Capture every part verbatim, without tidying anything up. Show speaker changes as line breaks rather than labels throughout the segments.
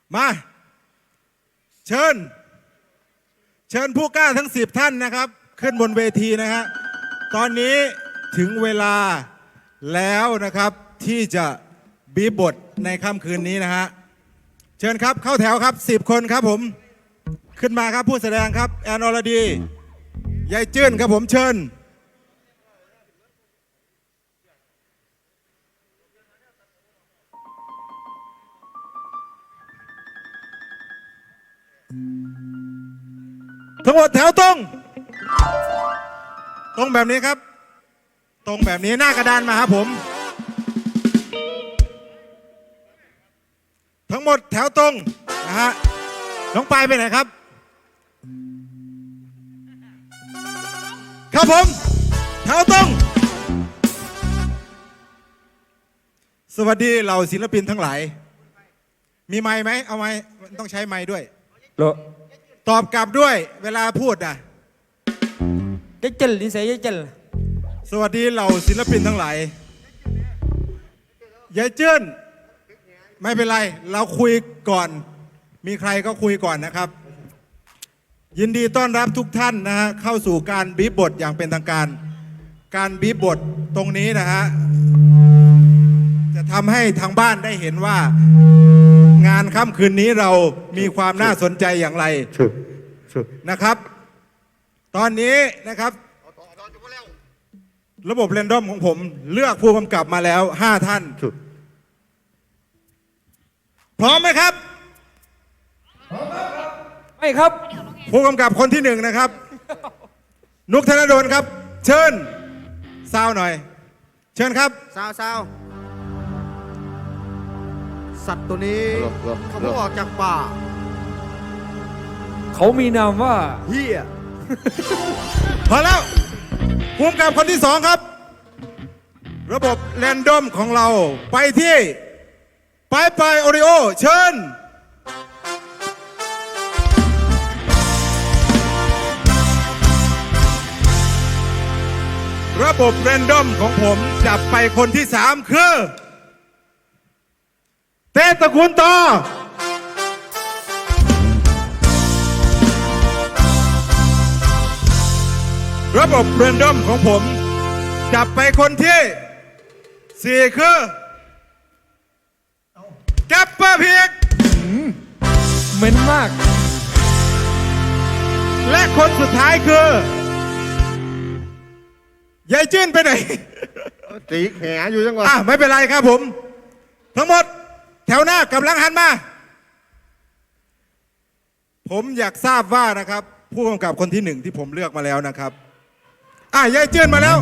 มาเชิญเชิญผู้กล้าทั้งสิบท่านนะครับขึ้นบนเวทีนะฮะตอนนี้ถึงเวลาแล้วนะครับที่จะบีบบทในค่ำคืนนี้นะฮะเชิญครับเข้าแถวครับสิบคนครับผมขึ้นมาครับผู้แสดงครับแอนอรดียายจื้นครับผมเชิญทั้งหมดแถวตรงตรงแบบนี้ครับตรงแบบนี้หน้ากระดานมาครับผมทั้งหมดแถวตรงนะฮะน้องปายไปไหนครับครับผมแถวตรงสวัสดีเหล่าศิลปินทั้งหลายมีไมค์ไหมเอาไมค์ต้องใช้ไมค์ด้วยตอบกลับด้วยเวลาพูดอ่ะ
ยายเจลนิสัยยายเจล
สวัสดีเหล่าศิลปินทั้งหลายยายเจิ้นไม่เป็นไรเราคุยก่อนมีใครก็คุยก่อนนะครับยินดีต้อนรับทุกท่านนะฮะเข้าสู่การบีบบทอย่างเป็นทางการการบีบบทตรงนี้นะฮะจะทำให้ทางบ้านได้เห็นว่างานค่ำคืนนี้เรามีความน่าสนใจอย่างไรนะครับตอนนี้นะครับระบบเรนดอมของผมเลือกผู้กำกับมาแล้วห้าท่านพร้อมไหมครับ
ไม่ครับ
ผู้กำกับคนที่หนึ่งนะครับนุกธนดลครับเชิญซาวหน่อยเชิญครับ
ซาวซาวสัตว์ตัวนี้เขาเพิ่งออกจากป่า
เขามีนามว่า
เฮีย
พอแล้วผู้กำกับคนที่สองครับระบบแรนดอมของเราไปที่ปายปายโอริโอเชิญระบบแรนดอมของผมจับไปคนที่สามคือเต้ตระกูลต่อระบบแรนดอมของผมจับไปคนที่สี่คือแกปเปอร์พีก
เหม็นมาก
และคนสุดท้ายคือยายจื้นไปไหน
ตีแขนอยู่จังหวะ
อ่ะไม่เป็นไรครับผมทั้งหมดแถวหน้ากำลังหันมาผมอยากทราบว่านะครับผู้กำกับคนที่หนึ่งที่ผมเลือกมาแล้วนะครับอ่ะยายจื้นมาแล้ว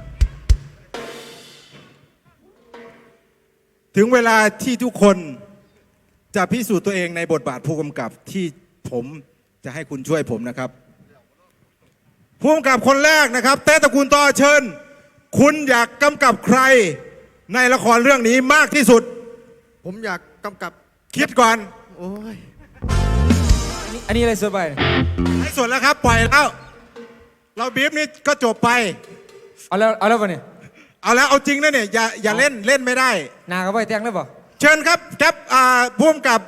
ถึงเวลาที่ทุกคนจะพิสูจน์ตัวเองในบทบาทผู้กำกับที่ผมจะให้คุณช่วยผมนะครับผู้กำกับคนแรกนะครับเต้ตระกูลต่อเชิญคุณอยากกำกับใครในละครเรื่องนี้มากที่สุด
ผมอยากกำกับ
คิดก่อน
โอ้ย
อันนี้อะไรสบาย
ให้ส่วนแล้วครับปล่อยแล้วเราบีบนี้ก็จบไป
เอาแล้วเอาแล้วป่ะเนี่ย
เอาแล้วเอาจริงนะเนี่ยอย่าอย่าเล่นเล่นไม่ได้
นาเขาไปแทงแล้วป่ะ
เชิญครับแก๊ปอ่าผู้กำกับ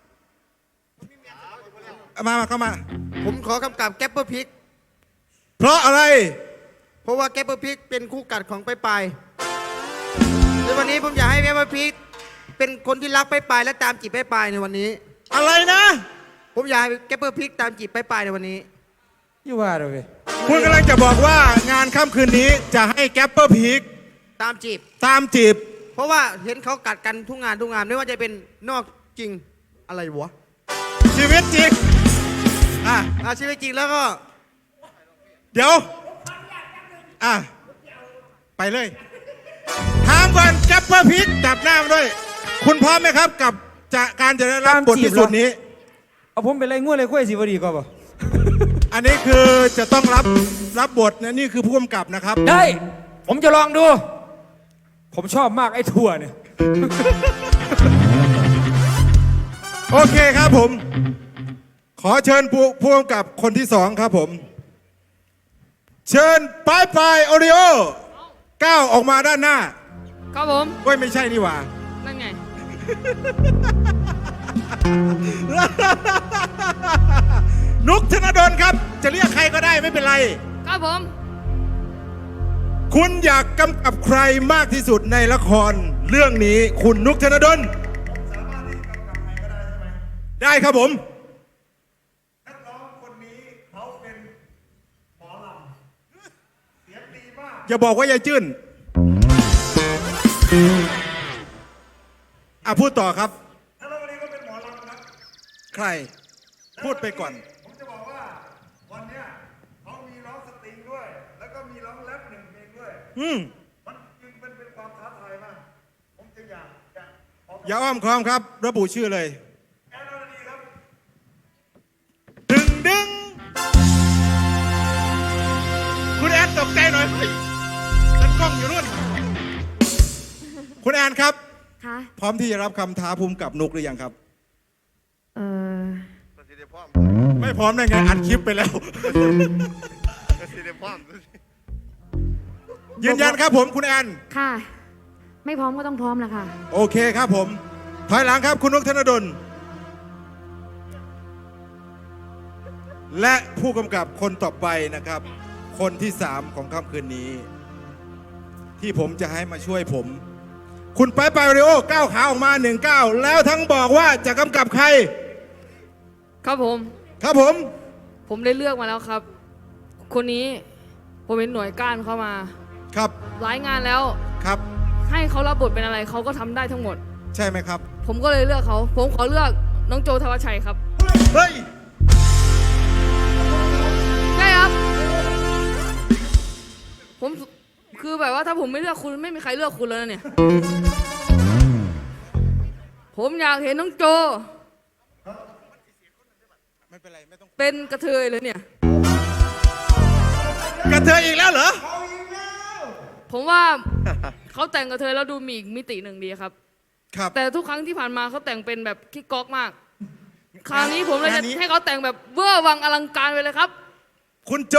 มามาเข้ามา
ผมขอกำกับแก๊ปเปอร์พิก
เพราะอะไร
เพราะว่าแก๊ปเปอร์พิกเป็นคู่กัดของไปไปในวันนี้ผมอยากให้แก๊ปเปอร์พิกเป็นคนที่รักไปไปและตามจีบไปไปในวันนี้
อะไรนะ
ผมอยากให้แก๊ปเปอร์พิกตามจีบไปไปในวันนี้
อยู่ว่าเราเลย
คุณกำลังจะบอกว่างานค่ำคืนนี้จะให้แก๊ปเปอร์พีก
ตามจีบ
ตามจีบ
เพราะว่าเห็นเขากัดกันทุกงานทุกงานไม่ว่าจะเป็นนอกจริงอะไรวะ
ชีวิตจริงอ่ะ
ชีวิตจริงแล้วก็
เดี๋ยวอ่ะไปเลยถามก่อนแก๊ปเปอร์พีกจับหน้ามาด้วยคุณพร้อมไหมครับกับจะการจะได้รับบทพิสูจน์นี้
เอาผมเป็นไรง่วงเลยคุยสิวดีก็ป่ะ
อันนี้คือจะต้องรับรับบทนะนี่คือผู้กำกับนะครับ
ได้ผมจะลองดูผมชอบมากไอ้ถั่วเนี่ย
โอเคครับผมขอเชิญผู้ผู้กำกับคนที่สองครับผมเชิญปายปายโอริโอก้าวออกมาด้านหน้า
ครับผม
เว้ยไม่ใช่นี่หว่า
นั่นไง
นุกธนดลครับ จะเรียกใครก็ได้ไม่เป็นไร
ครับผม
คุณอยากกำกับใครมากที่สุดในละครเรื่องนี้ คุณนุกธนดลสามารถที่กำกับใครก็ได้ใช่ไหมได้ครับผมนักร้องคนนี้เขาเป็นหมอลำเสียงดีมากอย่าบอกว่ายายจื้นอ่ะพูดต่อครับนักร้องคนนี้ก็เป็นหมอลำครับใครพูดไปก่อนผมจะบอกว่าวันเนี้ยเขามีร้องสตริงด้วย แล้วก็มีร้องแรปหนึ่งเพลงด้วยอืมมันจึงเป็นเป็นความท้าทายมากผมจึงอยากอยากอย่าอ้อมค้อมครับ ระบุชื่อเลยแอนอรดีครับดึงดึงคุณแอนตกใจหน่อยเฮ้ยฉันกล้องอยู่นู่นคุณแอนครับ
คะ
พร้อมที่จะรับคำท้าภูมิกับนุกหรือยังครับ
เออ
ไม่พร้อมได้ไงอัดคลิปไปแล้ว ยืนยันครับผมคุณแอน
ค่ะ ไม่พร้อมก็ต้องพร้อมละค่ะ
โอเคครับผม ถอยหลังครับคุณนุกธนดล และผู้กำกับคนต่อไปนะครับ คนที่สามของค่ำคืนนี้ ที่ผมจะให้มาช่วยผม คุณไปไปริโอก้าวขาออกมาหนึ่งก้าวแล้วทั้งบอกว่าจะกำกับใคร
ครับผม
ครับผม
ผมได้เลือกมาแล้วครับ คนนี้ผมเป็นหน่วยก้านเข้ามา
ครับ
หลายงานแล้ว
ครับ
ให้เขารับบทเป็นอะไรเขาก็ทำได้ทั้งหมด
ใช่ไหมครับ
ผมก็เลยเลือกเขา ผมขอเลือกน้องโจทวชัยครับ
เฮ้ย
ใช่ครับ ผมคือแบบว่าถ้าผมไม่เลือกคุณไม่มีใครเลือกคุณแล้วนะเนี่ย ผมอยากเห็นน้องโจ
ไม่เป็นไรไม่ต้อง
เป็นกระเทยเลยเนี่ย
กระเทยอีกแล้วเหรอ
ผมว่า เขาแต่งกระเทยแล้วดูมีอีกมิติหนึ่งดีครับ
ครับ
แต่ทุกครั้งที่ผ่านมาเขาแต่งเป็นแบบคิกก๊อกมาก คราวนี้ผมเลย
งา
จะ
นนี้
ให้เขาแต่งแบบเวอร์วังอลังการไปเลยครับ
คุณโจ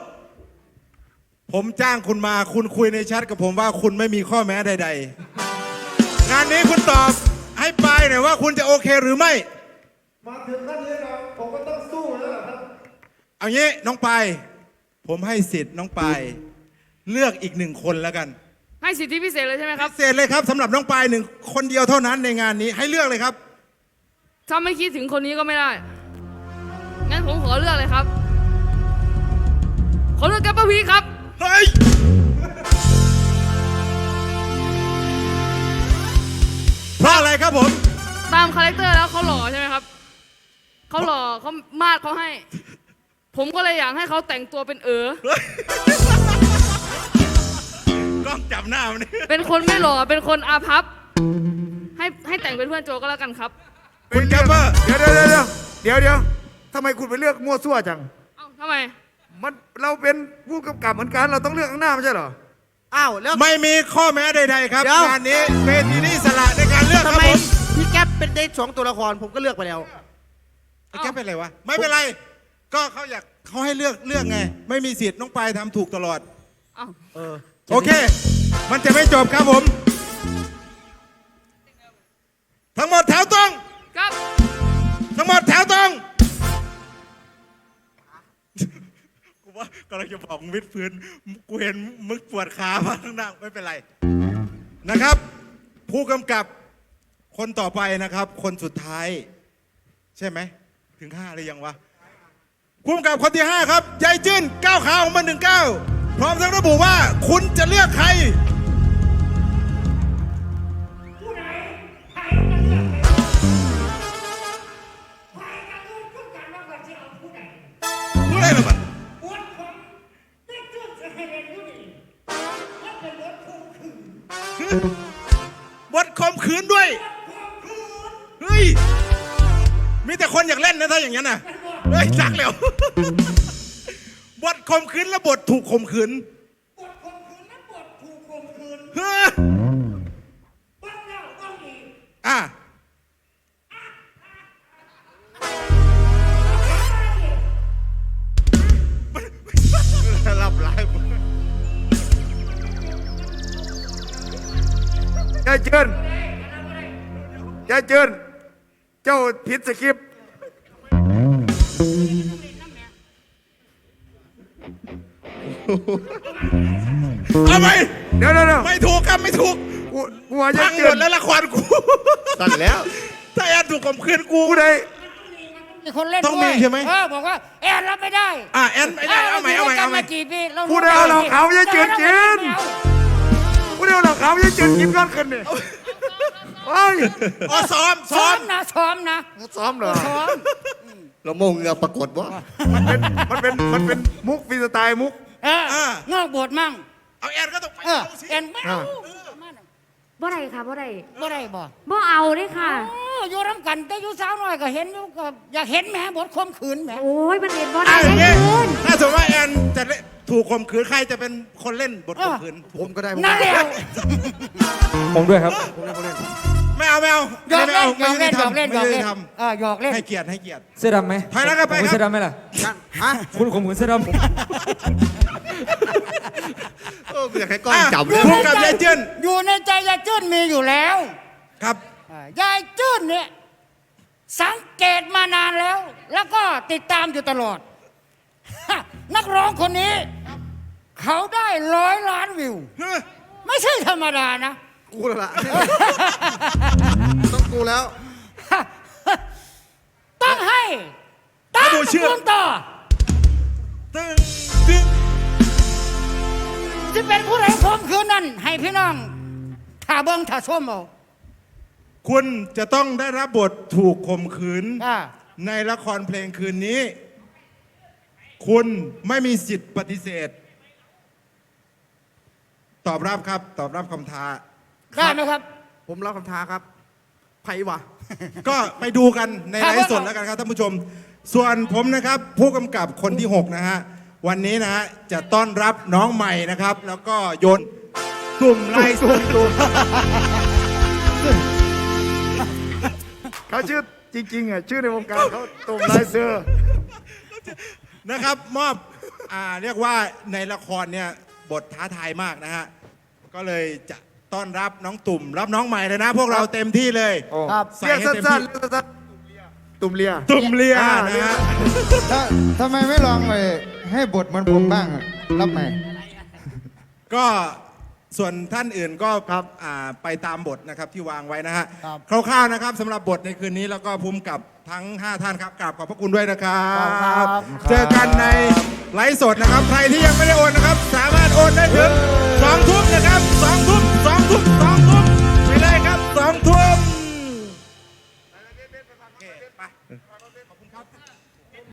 ผมจ้างคุณมาคุณคุยในแชทกับผมว่าคุณไม่มีข้อแม้ใดๆ งานนี้คุณตอบให้ปายหน่อยว่าคุณจะโอเคหรือไม่
มาถึงขั้นนี้แล้วผมก็ต้องสู้แล้วล่ะครับ
เอางี้น้องปายผมให้สิทธิ์น้องปายเลือกอีกหนึ่งคนแล้วกัน
ให้สิทธิพิเศษเลยใช่ไหมครับ
พิเศษเลยครับสำหรับน้องปายหนึ่งคนเดียวเท่านั้นในงานนี้ให้เลือกเลยครับ
ถ้าไม่คิดถึงคนนี้ก็ไม่ได้ งั้นผมขอเลือกเลยครับ ขอเลือกแกปเปอร์พีครับ
เฮ้ย เพราะอะไรครับผม
ตามคาแรคเตอร์แล้วเขาหล่อใช่ไหมครับ เขาหล่อเขามาดเขาให้ ผมก็เลยอยากให้เขาแต่งตัวเป็นเอ๋อก
ล้องจับหน้ามันนี่
เป็นคนไม่หล่อ เป็นคนอาภัพ ให้ให้แต่งเป็นเพื่อนโจก็แล้วกันครับ
คุณแกปเปอร์
เดี๋ยวเดี๋ยวเดี๋ยวเดี๋ยวเดี๋ยวทำไมคุณไปเลือกมั่วซั่วจัง
เอ้าทำไม
มันเราเป็นผู้กำกับเหมือนกัน เราต้องเลือกข้างหน้าไม่ใช่เหรอ
อ้าวแล้ว
ไม่มีข้อแม้ใดๆครับ
เดี๋ยว
งานนี้เป็นที่นี่สละในการเลือกค
ทำ
รับ
ไม
ผม
พี่แก๊ปเป็นได้สองตัวละครผมก็เลือกไปแล้ว
ไอ้แกเป็นไรวะไม่เป็นไร ก็เขาอยากเขาให้เลือกเลือกไง ไม่มีสิทธิ์น้องปายทำถูกตลอด
เอ้า
เออ
โอเค มันจะไม่จบครับผม ทั้งหมดแถวตรง
ครับ
ทั้งหมดแถวตรง กูว่ากำลังจะบอกมึงวิดพื้นกูเห็นมึงปวดขามาข้างหน้าไม่เป็นไรนะครับ ผู้กำกับคนต่อไปนะครับ คนสุดท้าย ใช่ไหมถึงห้าหรือยังวะผู้กำกับคนที่ห้าครับยายจื้นก้าวขาออกมาหนึ่งก้าวพร้อมทั้งระบุว่าคุณจะเลือกใครผู้ใดล่ะมันบทข่มขืนด้วยเฮ้ยมีแต่คนอยากเล่นนะถ้าอย่างนั้นน่ะเฮ้ยจักแล้ว บทข่มขืนและบทถูกข่มขืนบทข่มขืนและบทถูกข่มขืนเฮ้ยบ้าแล้วบ้าอีกอ่ะหลับหลาย
ยายเจินยายเจินเจ้าผิดสคริปต์
เอาไป
เดี๋ยวเดี๋ยวเดี๋ยว
ไม่ถูกครับไม่ถูก
กูกูว่าจะ
ทั้ง
เกิ
หม
น
ดแล้วละครกู
สั่นแล้ว
ถ้าแอนถูกข่มขืนกู
กูได้
มีคนเล่น
ต้อง
ด้วย
มีใช่ไหม
เออบอกว่าแอนรับไม่ได้
อ่ะแอนไม่ได้เอาใหม่เอาใหม่
ร
เอาใหม่
ยู่ด้วยกันมากี่ปีเรา
กูได้เอาเหล่าเขาวจะจืดกิน
ไม่เอา
กูได้เอาเหล่าเขาวจะจืดกินก้อนขึ้นเนี่ยโอ้ย
อ๋อซ้อม
ซ้
ซ้
อ
อ
ม
ม
นะซ้อมนะ
ซ้อมเหรอ
ซ้อม
เราโมงเงือปรากฏว่า
มันเป็นมันเป็นมันเป็นมุกฟรีสไตล์มุก
เออนอกบทมั่ง
เอาแอนก็ต้องไป
เออ
เอาสิ
แอนไม่เอา
บ่ได้ค่ะบ่ได้
บ่ได้บ่
บ่เอาเด้ค่ะ
โอ้อยู่ร่ำกันแต่อยู่สาวน้อยก็เห็นอยู่ก็อยากเห็นแหมบทข่มขืนแหม
โอ้ยมันเห็นบ่
อ่ะ
ได้
อย่าง
ได้
งี้
คืน
ถ้าสมมติว่าแอนจะเล่นถูกข่มขืนใครจะเป็นคนเล่นบทข่มขืน
ผมก็ได้ผม
นั่นแหละ
ผมด้วยครับ
ไม่เอาไม่เอา
หยอก
ไม่
เล่น
เอา
หยอกเล่นหยอกเล่นหย
ไม่
อก
ยุ
เล่
ติ
น
ธรรม
เออหยอกเล่น
ให้เกียรติให้เกียรติ
เสื้อดำไหม
ถอยหลังกลับไป
ผม
ครับ
เสื้อดำไหมล่ะ
ฮะ
คุณข่มขืนเสื้อดำ
โอ้กูอยากให้กล้อง
อ่ะ
จับเลย
พูดกับยายเจิ้น
อยู่ในใจยายจื้นมีอยู่แล้ว
ครับ
อ่ายายจื้นเนี่ยสังเกตมานานแล้ว แล้วก็ติดตามอยู่ตลอด ฮะนักร้องคนนี้ เขาได้ร้อยล้านวิว ไม่ใช่ธรรมดานะ
กูแล้วล่ะต้องกูแล้ว
ต้องให้ตั้ง
ดูชื่อ
คุณต่อ
ตึ้งตึ้ง
ที่เป็นผู้ใดคมคืนนั้น ให้พี่น้องถ่าเบิ้งถ่าส้มเอา
คุณจะต้องได้รับบทถูกข่มขืน
อ่า
ในละครเพลงคืนนี้ คุณไม่มีสิทธิ์ปฏิเสธ ตอบรับครับ ตอบรับคำท้า
ได้ไหมครับ
ผมรับคำท้าครับไผ่วะ
ก็ไปดูกันใน
ครั
ไล
บ
ฟ์สดแล้วกันครับท่านผู้ชม ส่วนผมนะครับ ผู้กำกับคนที่ หก นะฮะ วันนี้นะฮะจะต้อนรับน้องใหม่นะครับ แล้วก็โยนตุ่มไล่ตุ่มตุ่ม
เขาชื่อจริงๆอ่ะชื่อในวงการเขาตุ่มลายเสือ
นะครับ มอบอ่าเรียกว่าในละครเนี่ยบทท้าทายมากนะฮะ ก็เลยจะต้อนรับน้องตุ่ม รับน้องใหม่เลยนะ พวกเราเต็มที่เลย
ครับ
ใส่
เรียก
ให้
สั
เต็ม้
น
ที่
ๆเรียกสั้นๆตุ่มเลีย
ตุ่มเลีย
อ่า
นะฮะ
ถ้าทำไมไม่ลองไปให้บทเหมันผมบ้างอะรับไหม
ก็ส่วนท่านอื่นก็ครับอ่าไปตามบทนะครับที่วางไว้นะฮะ
ครับ
คร่าวๆนะครับสำหรับบทในคืนนี้แล้วก็ภูมิกับทั้ง ห้า ท่านครับกราบขอบพระคุณด้วยนะครับ เจอกันในไลฟ์สดนะครับ ใครที่ยังไม่ได้โอนนะครับ สามารถโอนได้ถึงสองทุ่มนะครับสองทุ่มสองทุ่มสองทุ่มไปเลยครับสองทุ่มโอเคไปขอบคุณครับ